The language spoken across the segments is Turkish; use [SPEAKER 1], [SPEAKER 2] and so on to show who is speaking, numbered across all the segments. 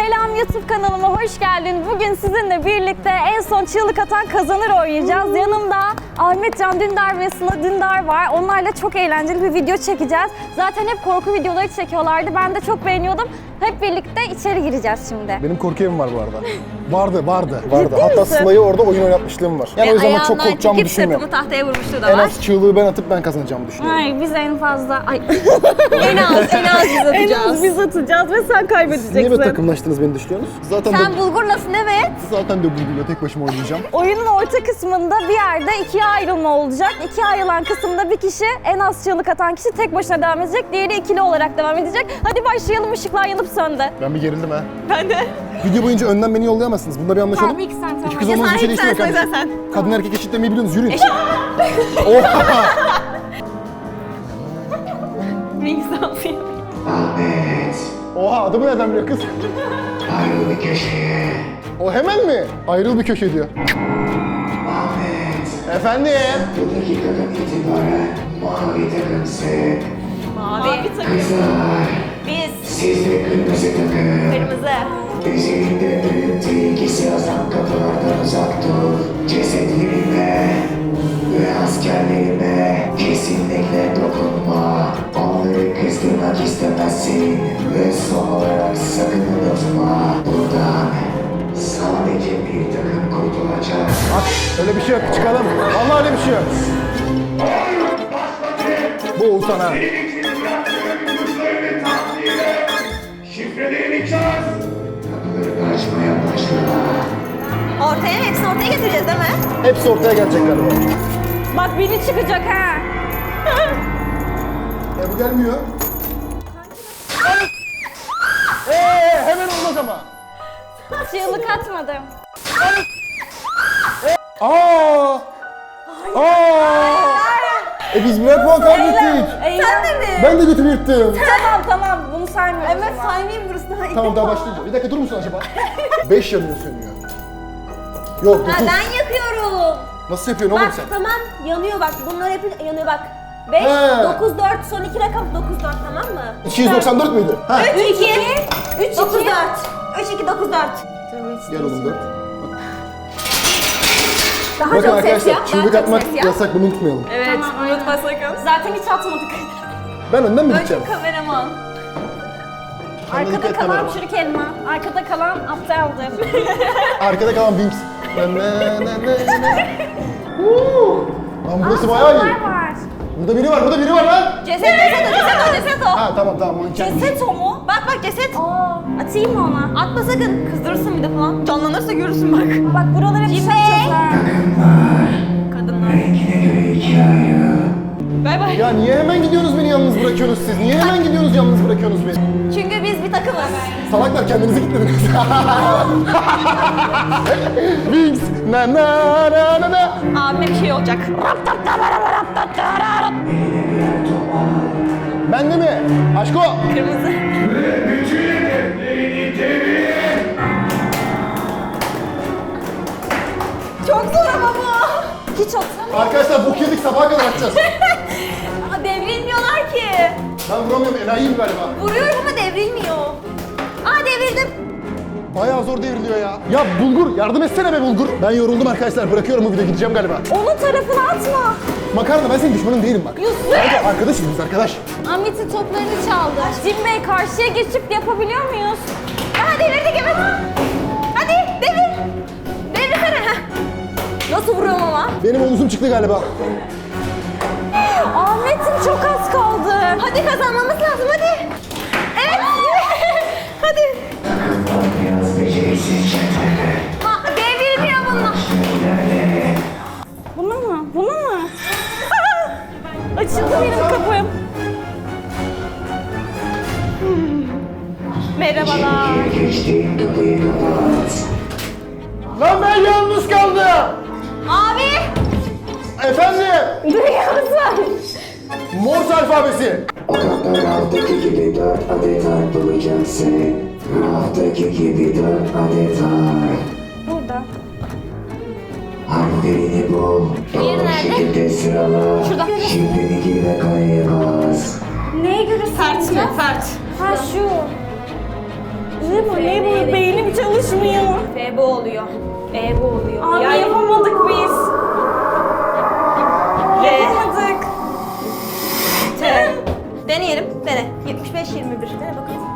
[SPEAKER 1] Selam YouTube kanalıma hoş geldin. Bugün sizinle birlikte en son çığlık atan kazanır oynayacağız. Yanımda Ahmet Can Dündar ve Sıla Dündar var. Onlarla çok eğlenceli bir video çekeceğiz. Zaten hep korku videoları çekiyorlardı. Ben de çok beğeniyordum. Hep birlikte içeri gireceğiz şimdi.
[SPEAKER 2] Benim korku evim var bu arada. Vardı.
[SPEAKER 1] Ciddi
[SPEAKER 2] Hatta
[SPEAKER 1] misin?
[SPEAKER 2] Sıla'yı orada oyun oynatmışlığım var. Yani o yüzden çok korkacağımı düşünmüyorum.
[SPEAKER 3] tahtaya vurmuştu da
[SPEAKER 2] En
[SPEAKER 3] var.
[SPEAKER 2] az çığlığı ben atıp ben kazanacağımı düşünüyorum.
[SPEAKER 1] Hayır biz en fazla... Ay.
[SPEAKER 3] En az biz
[SPEAKER 1] en az
[SPEAKER 3] atacağız.
[SPEAKER 1] biz atacağız ve sen kaybedeceksin.
[SPEAKER 2] Niye böyle takımlaştınız beni düşünüyorsunuz? Zaten
[SPEAKER 3] Sen bulgurlasın evet.
[SPEAKER 2] zaten de bulgurla tek başıma oynayacağım.
[SPEAKER 1] Oyunun orta kısmında bir yerde ikiye ayrılma olacak. İkiye ayrılan kısımda bir kişi, en az çığlık atan kişi tek başına devam edecek. Diğeri ikili olarak devam edecek. Hadi başlayalım, ışıklar yanıp söndü.
[SPEAKER 2] Ben bir gerildim ha.
[SPEAKER 3] Ben de.
[SPEAKER 2] Video boyunca önden beni yollayamazsınız. Bunda bir anlaşalım.
[SPEAKER 1] Tamam ilk sen tamam.
[SPEAKER 2] İki kız olmanız bir şey değiştirmiyor kardeşim.
[SPEAKER 3] sen.
[SPEAKER 2] Kadın erkek eşitlemeyi biliyorsunuz, yürüyün. Oha!
[SPEAKER 4] Ahmet,
[SPEAKER 2] Oha, adımı nereden biliyor kız?
[SPEAKER 4] ayrıl bir köşeye.
[SPEAKER 2] O hemen mi? Ayrıl bir köşe diyor.
[SPEAKER 4] Ahmet,
[SPEAKER 2] Efendim?
[SPEAKER 4] bu dakikadan itibaren mavi takımsın.
[SPEAKER 3] Mavi takım.
[SPEAKER 4] Kızlar,
[SPEAKER 3] Biz.
[SPEAKER 4] siz de kırmızı takım.
[SPEAKER 3] Kırmızı.
[SPEAKER 4] Üzerinde ölüm tehlikesi yazan kapılardan uzak dur. Cesetlerime ve askerlerime kesinlikle dokunma. Onları kızdırmak istemezsin. Ve son olarak sakın unutma. Buradan sadece bir takım kurtulacak.
[SPEAKER 2] At, öyle bir şey yok. Çıkalım. Vallahi öyle bir şey yok. Bu Oğuzhan ha.
[SPEAKER 4] Şifrelerini çöz. Kapıları açmaya başla.
[SPEAKER 3] Ortaya hepsini ortaya getireceğiz değil mi?
[SPEAKER 2] Hepsi ortaya gelecek galiba.
[SPEAKER 1] Bak biri çıkacak ha.
[SPEAKER 2] Bu gelmiyor. Hemen olmaz ama.
[SPEAKER 1] Çığlık atmadım.
[SPEAKER 2] Aa! Biz birer puan kaybettik.
[SPEAKER 3] Sen de mi?
[SPEAKER 2] Ben de götümü yırttım.
[SPEAKER 1] Tamam bunu saymıyorum.
[SPEAKER 3] Evet saymayayım burası daha iyi.
[SPEAKER 2] Tamam daha başlayacağım. Bir dakika durur musun acaba? 5 yanıyor sönüyor. Yok 9.
[SPEAKER 3] Ha, ben yakıyorum.
[SPEAKER 2] Nasıl yapıyorsun oğlum
[SPEAKER 3] Bak
[SPEAKER 2] sen?
[SPEAKER 3] tamam yanıyor bak bunlar hep yanıyor bak. 5,
[SPEAKER 2] He.
[SPEAKER 3] 9, 4 son iki rakam 9, 4 tamam mı?
[SPEAKER 2] 294 müydü? Ha.
[SPEAKER 3] 3, 2, 3, 9, 4. 3, 2, 9, 4.
[SPEAKER 2] Gel oğlum 4.
[SPEAKER 3] Daha
[SPEAKER 2] Bakın
[SPEAKER 3] çok ses
[SPEAKER 2] arkadaşlar
[SPEAKER 3] yap, daha
[SPEAKER 2] çığlık
[SPEAKER 3] çok
[SPEAKER 2] atmak
[SPEAKER 3] ses yap.
[SPEAKER 2] yasak, bunu unutmayalım.
[SPEAKER 3] Evet,
[SPEAKER 1] Tamam,
[SPEAKER 3] unutma
[SPEAKER 1] aynen.
[SPEAKER 3] sakın.
[SPEAKER 1] Zaten hiç atmadık.
[SPEAKER 2] Ben önden mi gideceğim?
[SPEAKER 3] Kameraman.
[SPEAKER 2] Sen de dikkat
[SPEAKER 1] Arkada
[SPEAKER 2] et
[SPEAKER 1] kalan
[SPEAKER 2] kamerama.
[SPEAKER 1] çürük elma. Arkada kalan aptaldır.
[SPEAKER 2] Arkada kalan Binks. Lan burası bayağı iyi.
[SPEAKER 1] Sorular var.
[SPEAKER 2] Burada biri var lan.
[SPEAKER 3] Ceset o.
[SPEAKER 2] Ha tamam manken.
[SPEAKER 1] Ceset o mu?
[SPEAKER 3] Bak ceset.
[SPEAKER 1] Aa, atayım mı ona?
[SPEAKER 3] Atma sakın. Kızdırırsın bir de falan. Canlanırsa görürsün bak.
[SPEAKER 1] Bak buralara bir şey atacağız ha.
[SPEAKER 3] Kadınlar.
[SPEAKER 4] Rengine göre ikiye ayrıl.
[SPEAKER 3] Bay bay.
[SPEAKER 2] Ya niye hemen gidiyorsunuz beni yalnız bırakıyorsunuz siz? Niye hemen gidiyorsunuz yalnız bırakıyorsunuz beni?
[SPEAKER 3] Çünkü biz bir takımız.
[SPEAKER 2] Salaklar kendinizi kilitlediniz. Binks. Na na na na na.
[SPEAKER 3] Abime bir şey olacak.
[SPEAKER 2] Ben de mi? Aşko.
[SPEAKER 3] Kırmızı. Çok zor ama bu.
[SPEAKER 1] Hiç atamıyorum.
[SPEAKER 2] Arkadaşlar bok yedik, sabaha kadar atacağız.
[SPEAKER 3] Aa, devrilmiyorlar ki.
[SPEAKER 2] Ben vuramıyorum, enayiyim galiba.
[SPEAKER 3] Vuruyorum ama devrilmiyor. Aa devrildim.
[SPEAKER 2] Bayağı zor devriliyor ya. Ya Bulgur, yardım etsene be Bulgur. Ben yoruldum arkadaşlar, bırakıyorum bu videoyu, gideceğim galiba.
[SPEAKER 1] Onun tarafına atma.
[SPEAKER 2] Makarna, ben senin düşmanın değilim bak.
[SPEAKER 1] Yusuf.
[SPEAKER 2] Kanka, arkadaşız biz arkadaş.
[SPEAKER 1] Ahmet'in toplarını çaldı. Cim Bey karşıya geçip yapabiliyor muyuz?
[SPEAKER 3] Aha devirdik evet. Hadi devir. Devirsene. Heh. Nasıl vuruyorum ama?
[SPEAKER 2] Benim omuzum çıktı galiba.
[SPEAKER 1] Ahmet'in çok az kaldı.
[SPEAKER 3] Hadi kazanmamız lazım hadi. Evet. Hadi.
[SPEAKER 4] Takımlar biraz beceriksiz centilmen.
[SPEAKER 3] Ha, devrilmiyor bunlar.
[SPEAKER 4] İlerle.
[SPEAKER 1] Bunu mu? Bunu mu? Açıldı benim kapım.
[SPEAKER 3] Merhabalar.
[SPEAKER 4] İkiye geçtiğin kapıyı kapat.
[SPEAKER 2] Lan ben yalnız kaldım.
[SPEAKER 3] Abi.
[SPEAKER 2] Efendim,
[SPEAKER 1] Duyuyor musun?
[SPEAKER 2] Morse alfabesi.
[SPEAKER 4] Odanda raftaki gibi 4 adet harf bulacaksın. Raftaki gibi 4 adet harf.
[SPEAKER 1] Burada.
[SPEAKER 4] Harflerini bul.
[SPEAKER 3] Diğeri
[SPEAKER 4] Doğru
[SPEAKER 3] nerede?
[SPEAKER 4] şekilde sırala.
[SPEAKER 3] Şurada.
[SPEAKER 4] Şifreni gir ve kayaya bas.
[SPEAKER 1] Neye göre
[SPEAKER 3] Fert mi?
[SPEAKER 1] sayacağız?
[SPEAKER 3] Fert.
[SPEAKER 1] Ha şu. Ne bu? Ne bu?
[SPEAKER 3] Bu oluyor. Bu oluyor.
[SPEAKER 1] Abi
[SPEAKER 3] Yani-
[SPEAKER 1] yapamadık biz. Yapamadık.
[SPEAKER 3] T. Deneyelim. Dene. 75-21. Dene bakalım.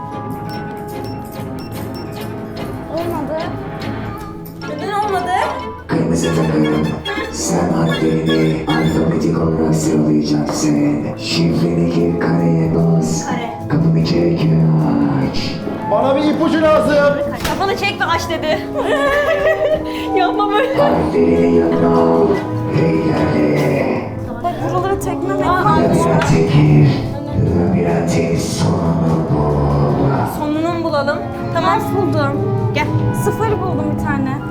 [SPEAKER 1] Olmadı.
[SPEAKER 3] Neden olmadı?
[SPEAKER 4] Kırmızı takım, sen harflerini alfabetik olarak sıralayacaksın. Şifreni gir, kareye bas.
[SPEAKER 3] Kare.
[SPEAKER 4] Kapımı çek ve aç.
[SPEAKER 2] Bana bir ipucu lazım.
[SPEAKER 3] Kafanı çek ve aç dedi. Yapma böyle.
[SPEAKER 4] Harflerini yanına al ve ilerle.
[SPEAKER 1] Bak buralara tekme
[SPEAKER 4] Labirente gir, labirentin sonunu bul.
[SPEAKER 3] Sonunu mu bulalım? Tamam.
[SPEAKER 1] Ters buldum.
[SPEAKER 3] Gel.
[SPEAKER 1] Sıfır buldum bir tane.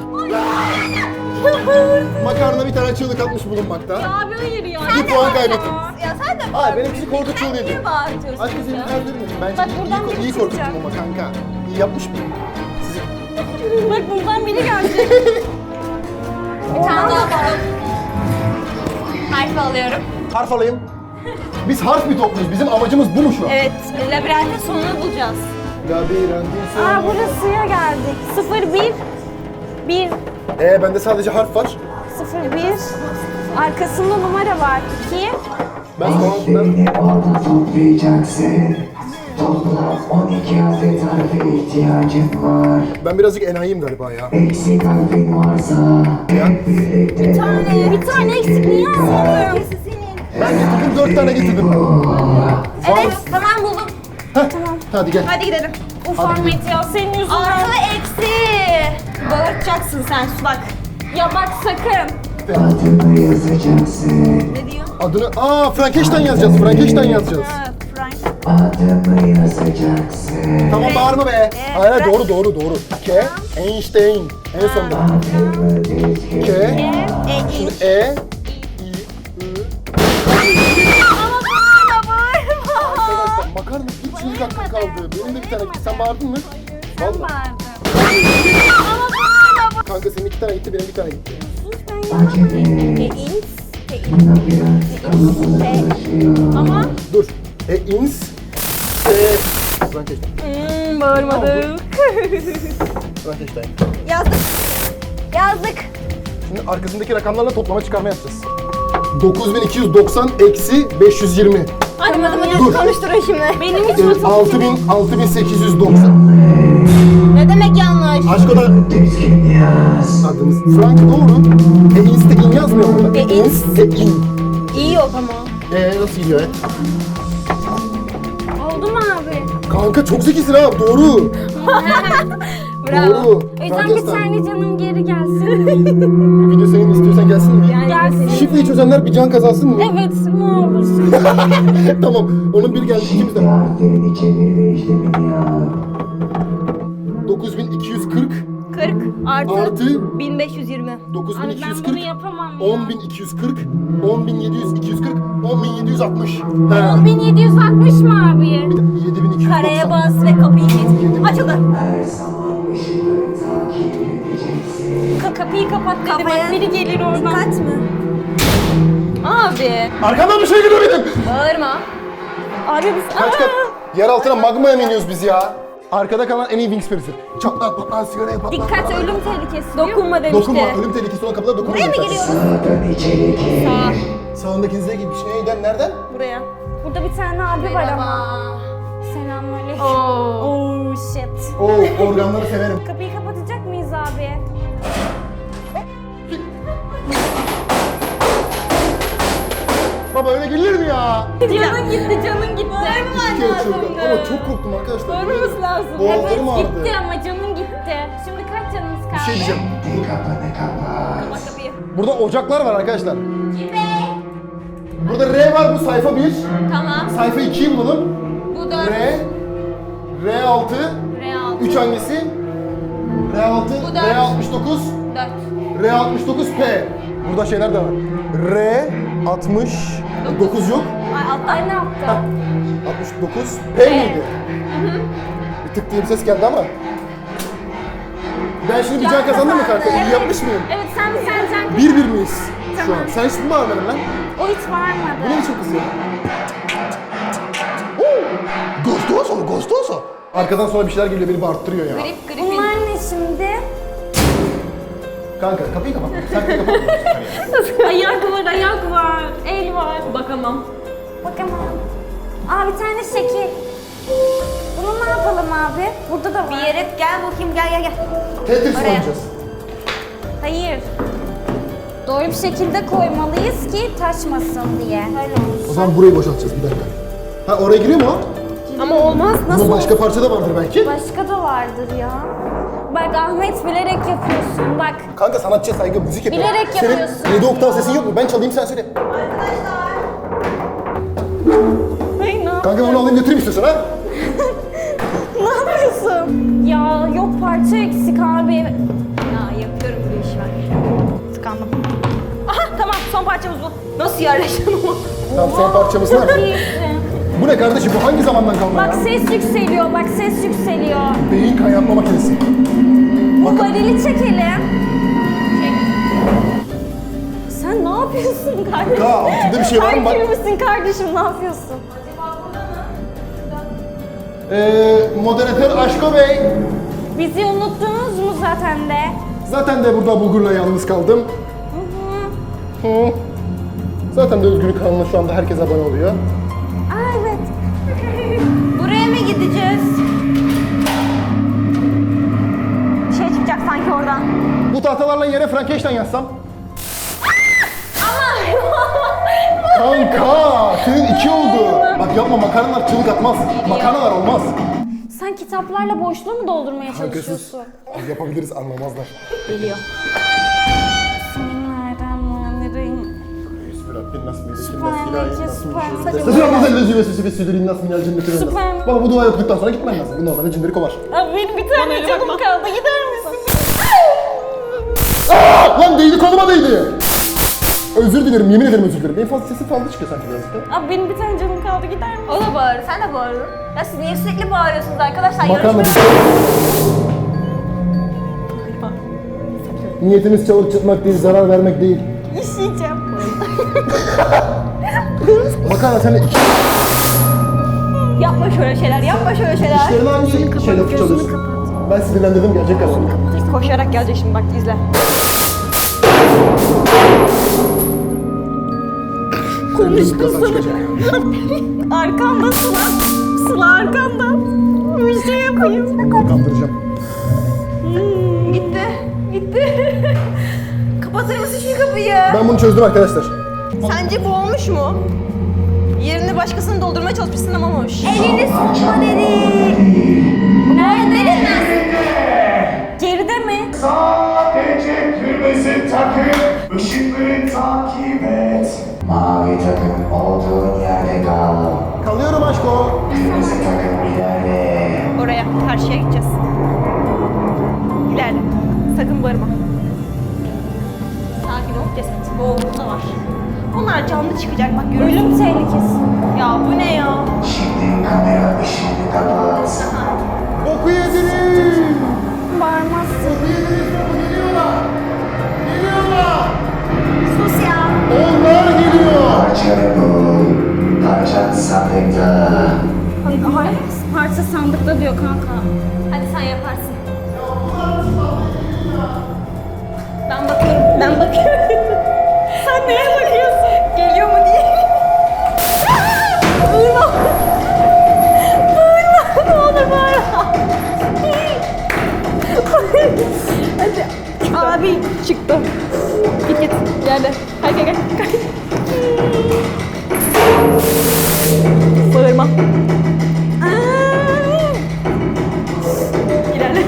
[SPEAKER 2] Makarna bir tane çığlık atmış bulunmakta.
[SPEAKER 3] Abi hayır ya.
[SPEAKER 2] Bir puan kaybettim.
[SPEAKER 3] Ya sen de
[SPEAKER 2] Hayır benimkisi korku çığlığıydı.
[SPEAKER 3] niye bağırtıyorsun?
[SPEAKER 2] Aşkım seni öldürmedim. Bence
[SPEAKER 1] Bak buradan
[SPEAKER 2] iyi,
[SPEAKER 1] biri
[SPEAKER 2] iyi korkuttum
[SPEAKER 1] çıkacak.
[SPEAKER 2] ama kanka. İyi yapmış mı?
[SPEAKER 1] Bak buradan biri gelecek.
[SPEAKER 3] Bir tane daha bulalım. Harf alıyorum.
[SPEAKER 2] Harf alayım. Biz harf mi topluyoruz? Bizim amacımız bu mu şu an?
[SPEAKER 3] Evet. Labirentin sonunu bulacağız.
[SPEAKER 2] Labirentin sonu.
[SPEAKER 1] Aa burasıya geldik. 0 1 1
[SPEAKER 2] Bende sadece harf var.
[SPEAKER 1] 0 1 arkasında numara var. 2
[SPEAKER 4] Harflerini orada toplayacaksın. Toplam 12 adet harfe ihtiyacın var.
[SPEAKER 2] Ben birazcık enayiyim galiba ya.
[SPEAKER 4] Eksik harfin varsa hep birlikte
[SPEAKER 1] bir tane eksik niye almadın?
[SPEAKER 2] Ben getirdim 4 tane getirdim.
[SPEAKER 3] Evet. Tamam buldum.
[SPEAKER 2] Hadi gel.
[SPEAKER 3] Hadi gidelim.
[SPEAKER 1] Uf Ahmet ya senin yüzünden.
[SPEAKER 3] Artı eksi. Bağırtacaksın sen bak.
[SPEAKER 1] Ya bak sakın.
[SPEAKER 4] adını yazacaksın.
[SPEAKER 3] Ne diyor?
[SPEAKER 2] Adını... Frankenstein yazacağız. Frankenstein yazacağız.
[SPEAKER 3] Frank.
[SPEAKER 4] Adını yazacaksın.
[SPEAKER 2] Tamam bağırma be. Hayır doğru. K, Einstein. En sonunda.
[SPEAKER 4] Adını düzgün.
[SPEAKER 2] K, şimdi E, I,
[SPEAKER 3] Ama bağırma.
[SPEAKER 2] Arkadaşlar makarna bir çığlık hakkı kaldı. Benim de bir tane gitti. Sen bağırdın mı? Vallahi.
[SPEAKER 1] Bağırdım.
[SPEAKER 2] Kanka senin 2 tane gitti, benim 1 tane gitti.
[SPEAKER 4] Acele. Labirent kalabalıklaşıyor.
[SPEAKER 3] Ama
[SPEAKER 2] Dur. Ins, Frankenstein.
[SPEAKER 3] bağırmadık.
[SPEAKER 2] Frankenstein.
[SPEAKER 3] Yazdık. Yazdık.
[SPEAKER 2] Şimdi arkasındaki rakamlarla toplama çıkarma yapacağız. 9290 eksi 520.
[SPEAKER 3] Hadi matematik
[SPEAKER 2] Dur.
[SPEAKER 3] konuşturun şimdi.
[SPEAKER 1] Benim hiç
[SPEAKER 2] 6890.
[SPEAKER 3] Ne demek yanlış?
[SPEAKER 2] Aşko da
[SPEAKER 4] Düzgün yaz.
[SPEAKER 2] adımız. Frank doğru. Ins de in yazmıyor burada.
[SPEAKER 3] Ins.
[SPEAKER 2] De in.
[SPEAKER 3] İyi yok ama.
[SPEAKER 2] Nasıl gidiyor?
[SPEAKER 1] oldu mu abi?
[SPEAKER 2] Kanka çok zekisin ha. Doğru.
[SPEAKER 3] Bravo.
[SPEAKER 2] Doğru.
[SPEAKER 1] O yüzden bir tane canım geri gelsin.
[SPEAKER 2] Video senin istiyorsan gelsin mi?
[SPEAKER 1] Gelsin.
[SPEAKER 2] Şifreyi çözenler bir can kazansın mı?
[SPEAKER 1] Evet ne olursun.
[SPEAKER 2] Tamam. Onun bir geldi ikimiz de.
[SPEAKER 4] Harflerini çevir ve işlemini yap.
[SPEAKER 2] 9240
[SPEAKER 3] 40 artı
[SPEAKER 2] artı
[SPEAKER 3] 1520.
[SPEAKER 1] Abi ben
[SPEAKER 2] 9240
[SPEAKER 1] bunu yapamam ya.
[SPEAKER 2] 10240 10700 240 10760.
[SPEAKER 1] 1760 mı abi?
[SPEAKER 2] 7290.
[SPEAKER 3] Kareye bas ve kapıyı kilit. Açıldı.
[SPEAKER 4] Her zaman ışıkları takip edeceksin.
[SPEAKER 1] Kapıyı kapat dedi bak biri gelir oradan.
[SPEAKER 3] Dikkat mi? Abi.
[SPEAKER 2] Arkamdan bir şey geliyor benim.
[SPEAKER 3] Bağırma.
[SPEAKER 1] Abi biz...
[SPEAKER 2] Kaç kat? Yer altına magmaya mı iniyoruz biz ya? Arkada kalan en iyi Wingsper'isi. Çatlat patlat sigaraya patlat.
[SPEAKER 1] Dikkat ölüm tehlikesi. Dokunma demişti.
[SPEAKER 2] Dokunma. Ölüm tehlikesi olan kapıda dokunma.
[SPEAKER 3] Buraya mı giriyoruz?
[SPEAKER 4] Sağdan içeri gir.
[SPEAKER 3] Sağ.
[SPEAKER 2] Sağındaki hizaya gibi bir şey. Neyden? Nereden?
[SPEAKER 3] Buraya.
[SPEAKER 1] Burada bir tane abi var ama.
[SPEAKER 3] Merhaba.
[SPEAKER 1] Selamünaleyküm.
[SPEAKER 3] Oo.
[SPEAKER 1] Oh shit.
[SPEAKER 2] Oo, organları severim.
[SPEAKER 1] Kapıyı kapatacak mıyız abi?
[SPEAKER 2] Baba öyle gelir mi ya?
[SPEAKER 1] Canın gitti, canın gitti.
[SPEAKER 2] İki kere çılgın. Ama çok korktum arkadaşlar.
[SPEAKER 1] Bağırmamız lazım.
[SPEAKER 2] Boğazlarım
[SPEAKER 1] Evet
[SPEAKER 2] ağrıdı.
[SPEAKER 1] gitti ama canın gitti. Şimdi kaç canımız kaldı?
[SPEAKER 2] Bir şey diyeceğim.
[SPEAKER 4] Şimdi kapını kapat.
[SPEAKER 3] Bak kapıyı.
[SPEAKER 2] Burada ocaklar var arkadaşlar. Burada R var, bu sayfa 1.
[SPEAKER 3] Tamam.
[SPEAKER 2] Sayfa 2'yi bulalım.
[SPEAKER 3] Bu 4.
[SPEAKER 2] R6,
[SPEAKER 3] R6.
[SPEAKER 2] 3 hangisi? R6,
[SPEAKER 3] Bu dört.
[SPEAKER 2] R69,
[SPEAKER 3] 4.
[SPEAKER 2] R69P. Burada şeyler de var. R69 yok.
[SPEAKER 3] Ay altta.
[SPEAKER 1] Ay ne yaptı?
[SPEAKER 2] 69 P miydi? Bir tık diye bir ses geldi ama. Ben şimdi bir can kazandım mı kanka? İyi yapmış mıyım?
[SPEAKER 1] Evet sen can
[SPEAKER 2] 1-1 miyiz şu an? Sen hiç mi bağırmadın lan?
[SPEAKER 1] O hiç varmadı.
[SPEAKER 2] Bu ne biçim kız ya? Gostoso, gostoso. Arkadan sonra bir şeyler geliyor, beni bağırttırıyor ya.
[SPEAKER 3] Grip grip.
[SPEAKER 1] Bunlar ne şimdi?
[SPEAKER 2] Kanka kapıyı kapat. Sen kapıyı kapat.
[SPEAKER 1] Ayak var, ayak var, el var.
[SPEAKER 3] Bakamam.
[SPEAKER 1] Bakamam. Aa bir tane şekil. Bunu ne yapalım abi? Burada da var.
[SPEAKER 3] Bir yere gel bakayım, gel.
[SPEAKER 2] Tetris
[SPEAKER 3] Oraya.
[SPEAKER 2] oynayacağız.
[SPEAKER 1] Hayır. Doğru bir şekilde koymalıyız ki taşmasın diye. Öyle
[SPEAKER 2] O zaman burayı boşaltacağız bir dakika. Ha oraya giriyor mu o?
[SPEAKER 3] Ama olmaz.
[SPEAKER 2] Bunun başka parça da vardır belki.
[SPEAKER 1] Başka da vardır ya. Bak Ahmet bilerek yapıyorsun bak.
[SPEAKER 2] Kanka sanatçıya saygı, müzik yapıyor.
[SPEAKER 1] Bilerek yapıyorsun.
[SPEAKER 2] Senin 7 oktav sesin yok mu? Ben çalayım sen söyle.
[SPEAKER 1] Ay ne
[SPEAKER 2] Kanka onu alayım götüreyim istiyorsan ha?
[SPEAKER 1] Ne yapıyorsun? Ya yok parça eksik abi.
[SPEAKER 3] Ya yapıyorum bu işi ben. Tıkandım. Aha tamam, son parçamız bu. Nasıl yerleştim ama?
[SPEAKER 2] Tamam son parçamız nerede?
[SPEAKER 1] İyisin.
[SPEAKER 2] Bu ne kardeşim? Bu hangi zamandan kalma
[SPEAKER 1] Bak
[SPEAKER 2] ya?
[SPEAKER 1] ses yükseliyor, bak ses yükseliyor.
[SPEAKER 2] Beyin kaynatma makinesi.
[SPEAKER 1] Bu varili çekelim. Sen ne yapıyorsun kardeşim?
[SPEAKER 2] Ya altında bir şey var mı bak?
[SPEAKER 1] Erkek misin kardeşim, ne yapıyorsun?
[SPEAKER 2] Moderatör Aşko Bey.
[SPEAKER 1] Bizi unuttunuz mu zaten de?
[SPEAKER 2] Zaten de burada Bulgur'la yalnız kaldım. Hı. Zaten de Özgürlük kanalına şu anda herkes abone oluyor.
[SPEAKER 1] Aa evet.
[SPEAKER 3] Buraya mı gideceğiz? Bir şey çıkacak sanki oradan.
[SPEAKER 2] Bu tahtalarla yere Frankenstein yazsam. Kanka senin 2 oldu. Bak yapma, makarnalar çığlık atmaz. Makarnalar olmaz.
[SPEAKER 1] Sen kitaplarla boşluğu mu doldurmaya
[SPEAKER 2] Kanka sus.
[SPEAKER 1] çalışıyorsun?
[SPEAKER 2] Yapabiliriz, anlamazlar.
[SPEAKER 3] Geliyor.
[SPEAKER 1] Bismillahirrahmanirrahim. Süper.
[SPEAKER 2] Baba bu dua okuduktan sonra gitmen lazım. Bu normalde cinleri kovar.
[SPEAKER 1] Abi benim bir tane canım kaldı, gider misin?
[SPEAKER 2] Lan değdi, koluma değdi. Özür dilerim, yemin ederim özür dilerim. En fazla sesim fazla çıkıyor sanki birazcık da.
[SPEAKER 1] Abi benim bir tane canım kaldı, gider misin?
[SPEAKER 3] O da bağırır, sen de bağırın. Ya siz niye sürekli bağırıyorsunuz arkadaşlar?
[SPEAKER 2] Makarna
[SPEAKER 3] Yarışmaya...
[SPEAKER 2] Niyetimiz çalıp çıkmak değil, zarar vermek değil.
[SPEAKER 1] İşeyeceğim.
[SPEAKER 2] Makarna sen de iki
[SPEAKER 3] Yapma şöyle şeyler, yapma şöyle şeyler.
[SPEAKER 2] işlerini hangi şeyle çalıyorsun? Ben sinirlendirdim, gelecek galiba.
[SPEAKER 3] Koşarak gelecek şimdi, bak izle.
[SPEAKER 2] Konuştun sana.
[SPEAKER 1] Arkanda Sıla. Sıla arkanda. Bir şey yapayım.
[SPEAKER 2] Kandıracağım.
[SPEAKER 3] Gitti, gitti. Kapatır mısın şu kapıyı?
[SPEAKER 2] Ben bunu çözdüm arkadaşlar.
[SPEAKER 3] Sence bu olmuş mu? Yerini başkasını doldurmaya çalışmışsın ama olmuş. Elini sıkma dedi. Nerede?
[SPEAKER 1] Geride mi?
[SPEAKER 4] Sadece kırmızı takım, ışıkları takip et. Mavi takım olduğun yerde kal.
[SPEAKER 2] Kalıyorum aşko.
[SPEAKER 4] Kırmızı takım ilerle.
[SPEAKER 3] Oraya, karşıya gideceğiz. İlerle. Sakın bağırma. Sakin ol, ceset. Boğulma var. Onlar canlı çıkacak, bak görürsün.
[SPEAKER 1] Ölüm tehlikesi.
[SPEAKER 3] Ya bu ne ya?
[SPEAKER 4] Şimdi kamera ışığını kapat.
[SPEAKER 2] Boku yediniz.
[SPEAKER 1] Bağırmazsın.
[SPEAKER 2] Geliyorlar. Geliyorlar.
[SPEAKER 3] Sus ya.
[SPEAKER 2] Onlar geliyor.
[SPEAKER 4] Parçanı bul. Parçan sandıkta.
[SPEAKER 1] Hayır. Parça sandıkta diyor kanka.
[SPEAKER 3] Hadi sen yaparsın. Ben bakıyorum, ben bakıyorum.
[SPEAKER 1] Sen neye bakıyorsun?
[SPEAKER 3] Geliyor mu diye.
[SPEAKER 1] Bağırma. Bağırma. Ne olur bağırma. Hadi.
[SPEAKER 3] Abi çıktı. Git git, geldi. Gel gel gel. Bağırma. İlerle.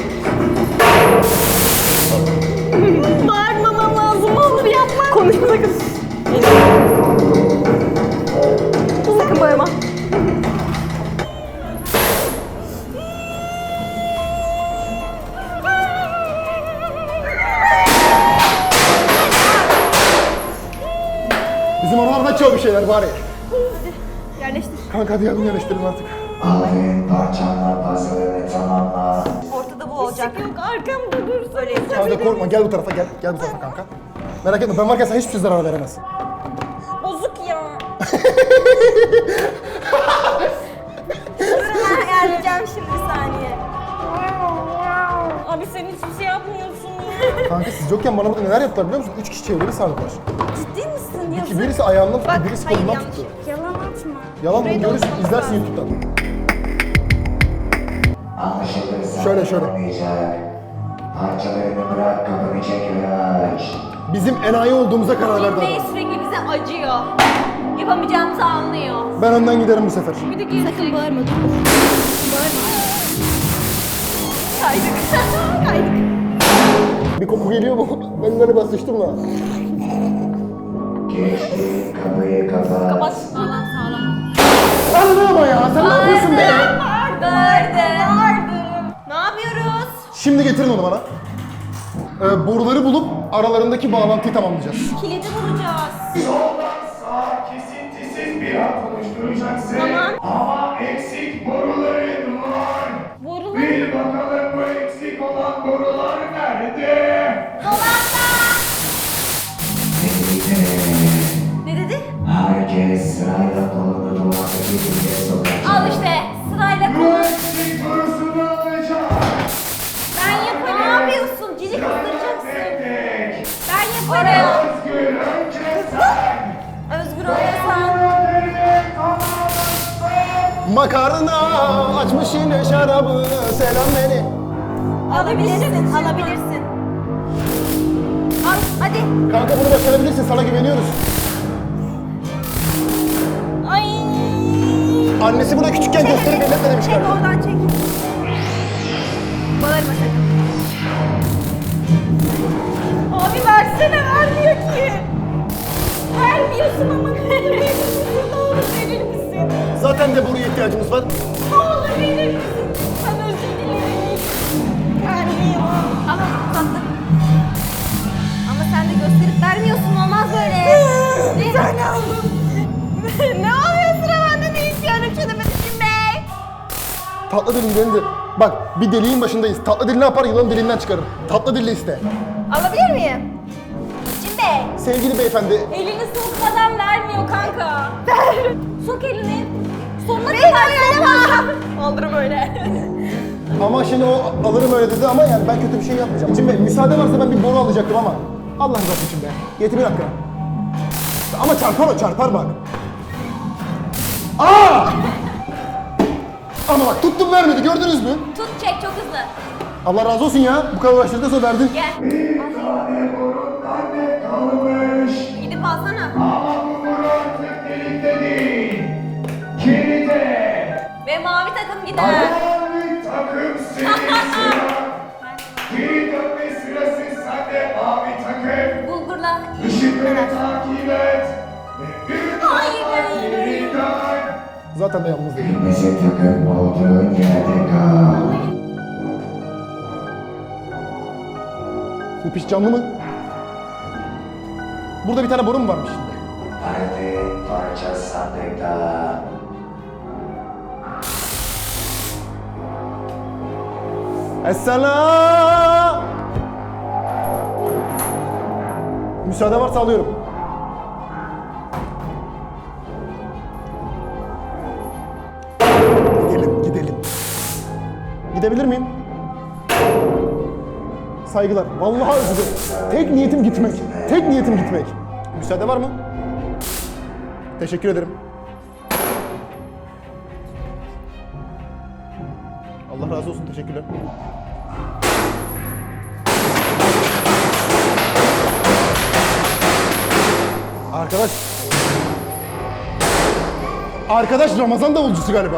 [SPEAKER 1] Bağırmamam lazım, olur yapma.
[SPEAKER 3] Konuşma sakın. Sakın bağırma.
[SPEAKER 2] Bizim oralarda çok bir şeyler bari.
[SPEAKER 3] Yerleştir.
[SPEAKER 2] Kanka hadi yardım yerleştirelim artık.
[SPEAKER 4] Aferin, parçanla puzzle'ını tamamla.
[SPEAKER 3] Ortada bu olacak.
[SPEAKER 1] Yok arkamda dur.
[SPEAKER 3] Böyle
[SPEAKER 2] Kanka korkma, gel bu tarafa, gel. Gel bu tarafa kanka. Merak etme, ben varken sana hiçbir şey zarar veremez.
[SPEAKER 1] Bozuk ya.
[SPEAKER 3] ayarlayacağım şimdi bir saniye.
[SPEAKER 1] Abi sen hiçbir şey yapmıyorsun ya.
[SPEAKER 2] Kanka siz yokken bana burada neler yaptılar biliyor musun? 3 kişi çevremi sardılar.
[SPEAKER 1] Ciddi misin? Yazık.
[SPEAKER 2] Birisi ayağından tuttu,
[SPEAKER 3] Bak,
[SPEAKER 2] birisi
[SPEAKER 3] hayır,
[SPEAKER 2] kolundan
[SPEAKER 3] yanlış.
[SPEAKER 2] tuttu.
[SPEAKER 1] Yalan atma.
[SPEAKER 2] Yalan mı?
[SPEAKER 3] Burayı
[SPEAKER 2] Görürsün,
[SPEAKER 3] doldurmamız
[SPEAKER 2] izlersin
[SPEAKER 3] lazım.
[SPEAKER 2] YouTube'dan.
[SPEAKER 4] Anlaşılırsa
[SPEAKER 2] Şöyle.
[SPEAKER 4] olmayacak. Parçalarını bırak, kapını çek ve aç.
[SPEAKER 2] Bizim enayi olduğumuza karar verdi
[SPEAKER 3] Bey
[SPEAKER 2] adam.
[SPEAKER 3] sürekli bize acıyor. Yapamayacağımızı anlıyor.
[SPEAKER 2] Ben önden giderim bu sefer.
[SPEAKER 3] Bir de sakın bağırma dur. Bağırma. Kaydık. Kaydık.
[SPEAKER 2] Bir koku geliyor mu? Ben böyle basıştım da.
[SPEAKER 4] Geçti, kapıyı kapat.
[SPEAKER 3] Kapat. Sağlam sağlam.
[SPEAKER 2] Anladın ama ya, sen ne yapıyorsun be?
[SPEAKER 3] Bağırdım. Ne yapıyoruz?
[SPEAKER 2] Şimdi getirin onu bana. Boruları bulup aralarındaki bağlantıyı tamamlayacağız.
[SPEAKER 3] Kilidi bulacağız.
[SPEAKER 5] Soldan sağa kesintisiz bir hat oluşturacaksın.
[SPEAKER 3] Tamam.
[SPEAKER 5] Ama eksik boruların var.
[SPEAKER 1] Borular.
[SPEAKER 5] Bil bakalım bu eksik olan borular nerede?
[SPEAKER 3] Ne dedi?
[SPEAKER 4] Herkes sırayla kolunu duvardaki deliğe sokacak.
[SPEAKER 3] Al işte sırayla
[SPEAKER 5] Bu
[SPEAKER 3] konu.
[SPEAKER 5] eksik borusunu alacağım.
[SPEAKER 3] Ben yaparım. Ne yapıyorsun? Cici kızdıracaksın.
[SPEAKER 5] Tek tek.
[SPEAKER 3] Ben yaparım.
[SPEAKER 5] Özgür önce sen.
[SPEAKER 3] Özgür olmasan.
[SPEAKER 5] Borularını tamamlarsın.
[SPEAKER 2] Makarna açmış yine şarabı, selam beni.
[SPEAKER 3] Alabilirsin. Alabilirsin. Al hadi.
[SPEAKER 2] Kanka bunu başarabilirsin, sana güveniyoruz.
[SPEAKER 3] Ay.
[SPEAKER 2] Annesi buna küçükken gösterip elletme demiş
[SPEAKER 3] Çek
[SPEAKER 2] galiba.
[SPEAKER 3] oradan çek. Bağırma sakın. Abi versene vermiyor ki. Vermiyorsun ama verir misin? Ne olur verir misin?
[SPEAKER 2] Zaten de buraya ihtiyacımız var.
[SPEAKER 3] Ne olur verir misin? Ben özür dilerim. Vermiyor. Ama tatlım. Ama sen de gösterip vermiyorsun, olmaz böyle. Bir tane aldım. Ne oluyor sıra bende, ne istiyorum çözemedim be.
[SPEAKER 2] Tatlı dilin de. Bak bir deliğin başındayız. Tatlı dil ne yapar? Yılanı dilinden çıkarır. Tatlı dille iste.
[SPEAKER 3] Alabilir miyim? Şimdi.
[SPEAKER 2] Sevgili beyefendi,
[SPEAKER 1] Elini sokmadan vermiyor kanka. Sok elini. Sonuna
[SPEAKER 3] Beni
[SPEAKER 1] kadar
[SPEAKER 3] oynama. Aldırım öyle.
[SPEAKER 2] ama şimdi o alırım öyle dedi ama yani ben kötü bir şey yapmayacağım. Şimdi müsaade varsa ben bir boru alacaktım ama. Allah rızası için be. Yetim bir dakika. Ama çarpar o, çarpar bak. Aa! Ama bak tuttum vermedi, gördünüz mü?
[SPEAKER 3] Tut çek çok hızlı.
[SPEAKER 2] Allah razı olsun ya. Bu kadar uğraştırdı sonra verdin.
[SPEAKER 3] Gel.
[SPEAKER 5] Bir tane borun nerede kalmış?
[SPEAKER 3] Gidip alsana.
[SPEAKER 5] Ama bu boru artık delikte değil. Kilide.
[SPEAKER 3] Ve mavi takım gider.
[SPEAKER 5] Mavi takım senin sıra. Geri dönme sırası sende mavi takım.
[SPEAKER 3] Bulgurla.
[SPEAKER 5] Işıkları takip et. Ve bir
[SPEAKER 3] Hayır,
[SPEAKER 5] daha
[SPEAKER 3] hayır.
[SPEAKER 5] geri dön.
[SPEAKER 2] Zaten de yalnız değil.
[SPEAKER 4] Kırmızı takım olduğun yerde kal.
[SPEAKER 2] Bu piş canlı mı? Burada bir tane boru mu varmış şimdi?
[SPEAKER 4] Aradığın parça sandıkta.
[SPEAKER 2] Esselam! Müsaade varsa alıyorum. Gidelim. Gidebilir miyim? Saygılar. Vallahi özür dilerim. Tek niyetim gitmek. Tek niyetim gitmek. Müsaade var mı? Teşekkür ederim. Allah razı olsun. Teşekkürler. Arkadaş Ramazan davulcusu galiba.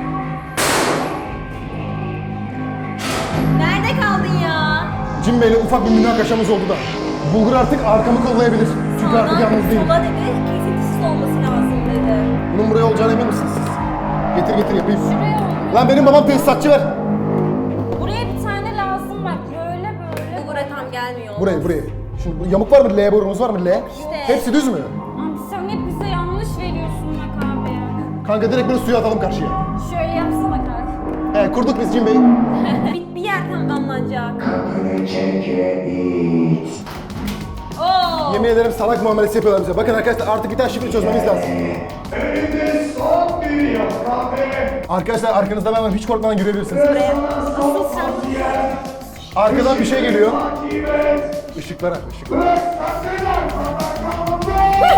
[SPEAKER 3] Nerede kaldın ya?
[SPEAKER 2] Cim Bey'le ufak bir münakaşamız oldu da. Bulgur artık arkamı kollayabilir. Çünkü artık yalnız değilim.
[SPEAKER 3] Sola dedi, kesintisiz olması lazım dedi.
[SPEAKER 2] Bunun buraya olacağına emin misiniz siz? Getir yapayım.
[SPEAKER 1] Şuraya ol.
[SPEAKER 2] Lan benim babam tesisatçı ver.
[SPEAKER 1] Buraya bir tane lazım bak. Böyle böyle.
[SPEAKER 3] Bulgura tam gelmiyor.
[SPEAKER 2] Buraya. Şimdi bu yamuk var mı? L borumuz var mı? L. Hepsi düz mü?
[SPEAKER 1] Abi sen hep bize yanlış veriyorsun bak abi.
[SPEAKER 2] Kanka direkt böyle suya atalım karşıya.
[SPEAKER 1] Şöyle yapsana kanka.
[SPEAKER 2] Kurduk biz Cim Bey.
[SPEAKER 3] Bir yer tamamlanacak.
[SPEAKER 4] Kapını çek ve it.
[SPEAKER 3] Oo.
[SPEAKER 2] Yemin ederim salak muamelesi yapıyorlar bize. Bakın arkadaşlar artık bir tane şifre çözmemiz lazım.
[SPEAKER 5] Önünde son bir yaprak ve
[SPEAKER 2] Arkadaşlar arkanızda ben var. Hiç korkmadan girebilirsiniz.
[SPEAKER 5] sana son yer.
[SPEAKER 2] Arkadan bir şey geliyor.
[SPEAKER 5] Takip et.
[SPEAKER 2] Işıklara.
[SPEAKER 5] Sakın arkamda.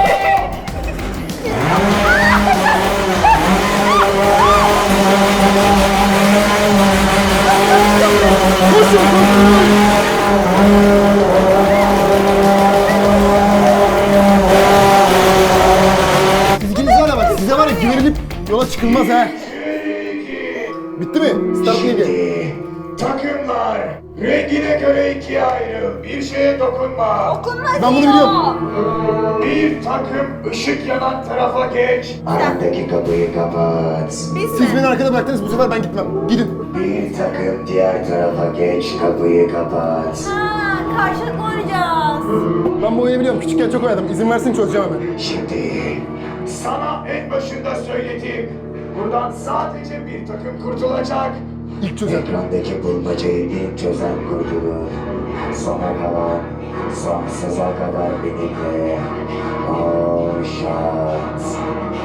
[SPEAKER 2] Siz ikiniz var ya bak, size var ya güvenilip yola çıkılmaz ha. Bitti mi? Start neydi?
[SPEAKER 5] Şimdi takımlar rengine göre ikiye ayrı. Bir şeye dokunma.
[SPEAKER 2] Ben bunu biliyorum.
[SPEAKER 5] Bir takım ışık yanan tarafa geç.
[SPEAKER 4] Arandaki kapıyı kapat.
[SPEAKER 2] Siz beni arkada bıraktınız, bu sefer ben gitmem. Gidin.
[SPEAKER 4] Bir takım diğer tarafa geç, kapıyı kapat.
[SPEAKER 3] Ha, karşılıklı oynayacağız.
[SPEAKER 2] Ben bu oyunu biliyorum. Küçükken çok oynadım. İzin versin çözeceğim hemen.
[SPEAKER 4] Şimdi
[SPEAKER 5] Sana en başında söyledim. Buradan sadece bir takım kurtulacak.
[SPEAKER 2] İlk çözelim.
[SPEAKER 4] ekrandaki bulmacayı ilk çözen kurtulur. Sona kalan sonsuza kadar benimle. O şans.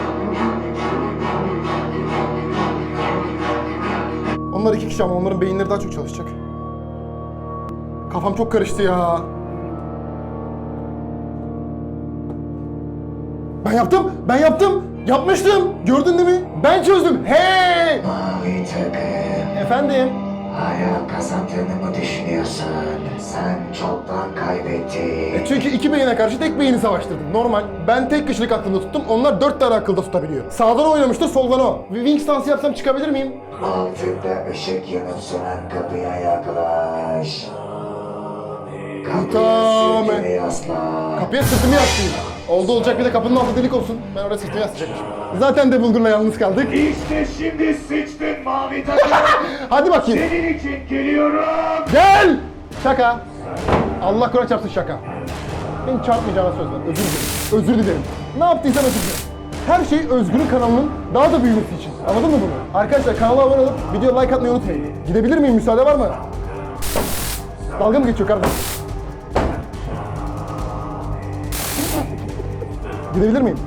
[SPEAKER 2] Onlar iki kişi ama onların beyinleri daha çok çalışacak. Kafam çok karıştı ya. Ben yaptım. Yapmıştım. Gördün değil mi? Ben çözdüm. Hey!
[SPEAKER 4] Mavi takım.
[SPEAKER 2] Efendim?
[SPEAKER 4] Hala kazandığını mı düşünüyorsun? Sen çoktan kaybettin.
[SPEAKER 2] Çünkü iki beyine karşı tek beyni savaştırdım. Normal. Ben tek kişilik aklında tuttum. Onlar 4 tane akılda tutabiliyor. Sağdan oynamıştır, soldan o. Bir wing stansı yapsam çıkabilir miyim?
[SPEAKER 4] Altında ışık yanıp sönen kapıya yaklaş.
[SPEAKER 2] Tamam.
[SPEAKER 4] Kapıyı sürtüne yasla.
[SPEAKER 2] Kapıya sırtımı yaslayayım. Oldu olacak bir de kapının altı delik olsun. Ben oraya sırtımı yaslayacakmışım. Zaten de Bulgur'la yalnız kaldık.
[SPEAKER 5] İşte şimdi sıçtın mavi takım.
[SPEAKER 2] Hadi bakayım.
[SPEAKER 5] Senin için geliyorum.
[SPEAKER 2] Gel! Şaka. Allah Kur'an çarpsın şaka. Beni çarpmayacağına söz ver. Özür dilerim. Özür dilerim. Ne yaptıysam özür dilerim. Her şey Özgür'ün kanalının daha da büyümesi için. Anladın mı bunu? Arkadaşlar kanala abone olup videoya like atmayı unutmayın. Gidebilir miyim? Müsaade var mı? Dalga mı geçiyor kardeşim? Gidebilir miyim?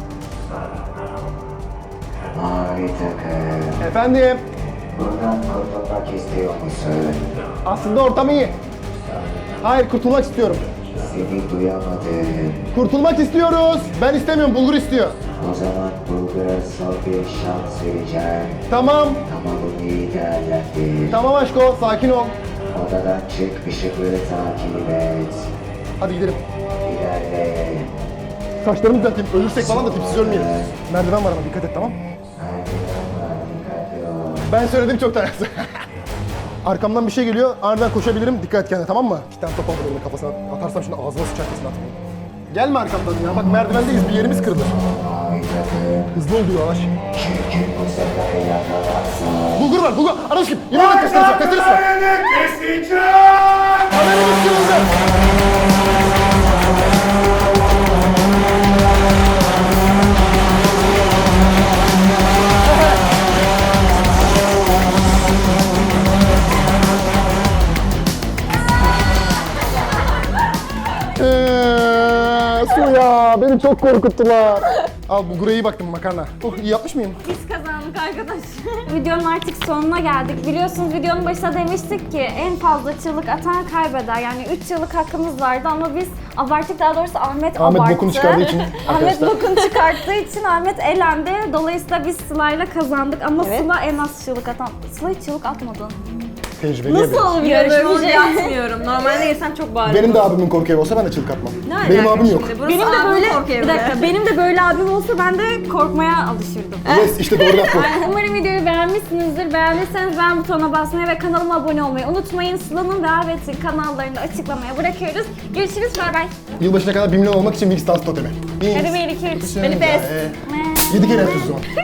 [SPEAKER 4] Mavi takım.
[SPEAKER 2] Efendim?
[SPEAKER 4] Buradan kurtulmak istiyor musun?
[SPEAKER 2] Aslında ortam iyi. Hayır, kurtulmak istiyorum.
[SPEAKER 4] Seni duyamadım.
[SPEAKER 2] Kurtulmak istiyoruz. Ben istemiyorum, Bulgur istiyor.
[SPEAKER 4] O zaman Bulgar'a son bir şans vereceğim.
[SPEAKER 2] Tamam.
[SPEAKER 4] Ama bunu iyi değerlendir.
[SPEAKER 2] Tamam aşko, sakin ol.
[SPEAKER 4] Odadan çık, ışıkları takip et.
[SPEAKER 2] Hadi gidelim.
[SPEAKER 4] İlerle.
[SPEAKER 2] Saçlarımı düzelteyim. Ölürsek falan da tipsiz ölmeyelim. Merdiven var ama dikkat et, tamam?
[SPEAKER 4] Merdivenler dikkatli ol.
[SPEAKER 2] Ben söyledim çoktan. Arkamdan bir şey geliyor. Aniden koşabilirim. Dikkat et kendine, tamam mı? İki tane top aldım elimle kafasına. Atarsam şimdi ağzıma sıçar kesin atmayayım. Gelme arkamdan ya. Bak merdivendeyiz. Bir yerimiz kırılır.
[SPEAKER 4] Mavi takım.
[SPEAKER 2] Hızlı ol diyor yavaş.
[SPEAKER 4] Çünkü bu sefer yakalarsan.
[SPEAKER 2] Bulgur var. Bulgur. Arası kim? Yine bak kaçırırsa. Kaçırırsa.
[SPEAKER 5] Ayaklarını keseceğim.
[SPEAKER 2] Haberimiz kırıldı. Su ya, beni çok korkuttular. Al Bulgur'a iyi baktım makarna. Oh, iyi yapmış mıyım?
[SPEAKER 1] Biz kazandık arkadaşlar. Videonun artık sonuna geldik. Biliyorsunuz videonun başında demiştik ki en fazla çığlık atan kaybeder. Yani 3 çığlık hakkımız vardı ama biz abarttık, daha doğrusu Ahmet abarttı.
[SPEAKER 2] bokunu çıkardığı için
[SPEAKER 1] Ahmet
[SPEAKER 2] arkadaşlar.
[SPEAKER 1] bokunu çıkarttığı için Ahmet elendi. Dolayısıyla biz Sıla'yla kazandık ama Sıla en az çığlık atan. Sıla hiç çığlık atmadın.
[SPEAKER 2] Tecrübeli
[SPEAKER 1] Nasıl olabiliyor böyle
[SPEAKER 3] Yarışma
[SPEAKER 1] bir
[SPEAKER 3] olunca
[SPEAKER 1] şey?
[SPEAKER 3] atmıyorum. Normalde yesem çok bağırırım.
[SPEAKER 2] Benim de abimin korku evi olsa ben de çığlık atmam.
[SPEAKER 3] Ne
[SPEAKER 2] Benim
[SPEAKER 3] alaka
[SPEAKER 2] abim yok.
[SPEAKER 3] şimdi? Burası
[SPEAKER 1] Benim de
[SPEAKER 3] abimin
[SPEAKER 1] böyle,
[SPEAKER 3] korku evi.
[SPEAKER 1] bir dakika, benim de böyle abim olsa ben de korkmaya alışırdım.
[SPEAKER 2] Yes, işte doğru laf bu.
[SPEAKER 1] Umarım videoyu beğenmişsinizdir. Beğendiyseniz beğen butonuna basmayı ve kanalıma abone olmayı unutmayın. Sıla'nın ve Ahmet'in kanallarını açıklamaya bırakıyoruz. Görüşürüz, bay bay.
[SPEAKER 2] Yılbaşına kadar 1 milyon olmak için Wings Dance totemi.
[SPEAKER 1] Hadi 1, 2, 3.
[SPEAKER 3] Beni pes.
[SPEAKER 2] 7 kere yapıyoruz o zaman.